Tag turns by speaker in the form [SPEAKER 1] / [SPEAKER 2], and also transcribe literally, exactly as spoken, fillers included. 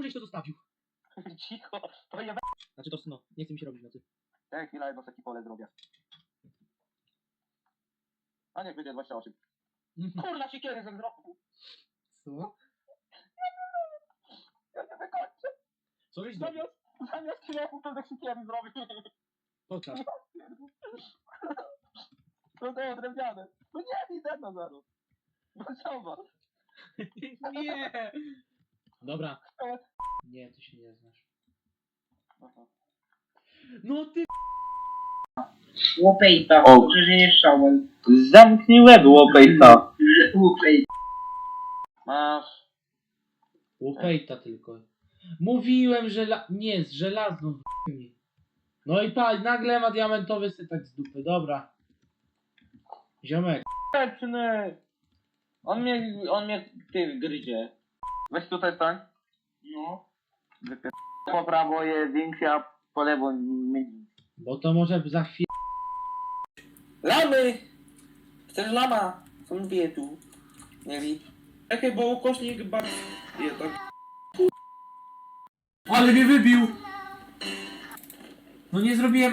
[SPEAKER 1] żeś to zostawił?
[SPEAKER 2] Cicho, to ja...
[SPEAKER 1] Znaczy to no, nie chce mi się robić nocy.
[SPEAKER 2] Tak, chwila, jedno takie pole zrobię. A niech będzie dwadzieścia osiem. Kurna, siekiery ze wzroku.
[SPEAKER 1] Co?
[SPEAKER 2] Ja nie wykończę.
[SPEAKER 1] Co żeś zrobił?
[SPEAKER 2] Zamiast, zamiast kilofu to ze siekiery zrobię.
[SPEAKER 1] Pokaż.
[SPEAKER 2] To to drewniane. No nie, widzę na zaraz. No zobacz.
[SPEAKER 1] Nie! Dobra. Nie, ty się nie znasz.
[SPEAKER 2] Aha.
[SPEAKER 1] No ty...
[SPEAKER 3] Łopejta,
[SPEAKER 2] O.
[SPEAKER 3] dobrze, że nie strzałem.
[SPEAKER 2] Zamknij łeb, łopejta.
[SPEAKER 3] Łopejta.
[SPEAKER 2] Masz.
[SPEAKER 1] Łopejta tylko. Mówiłem, że la... nie, z żelazną w... No i pa, nagle ma diamentowy sytek z dupy, dobra. Ziomek.
[SPEAKER 2] Peczny. On mnie, on mnie ty gryzie. Weź tutaj stań.
[SPEAKER 3] No.
[SPEAKER 2] Wypier... Po prawo jest większy, a po lewo mniej.
[SPEAKER 1] Bo to może za chwilę...
[SPEAKER 3] Lamy! Chcesz lama? Są dwie tu. Nie wiem. Czekaj, bo ukośnik bardzo... Je tak.
[SPEAKER 1] Ale mnie wybił! No nie zrobiłem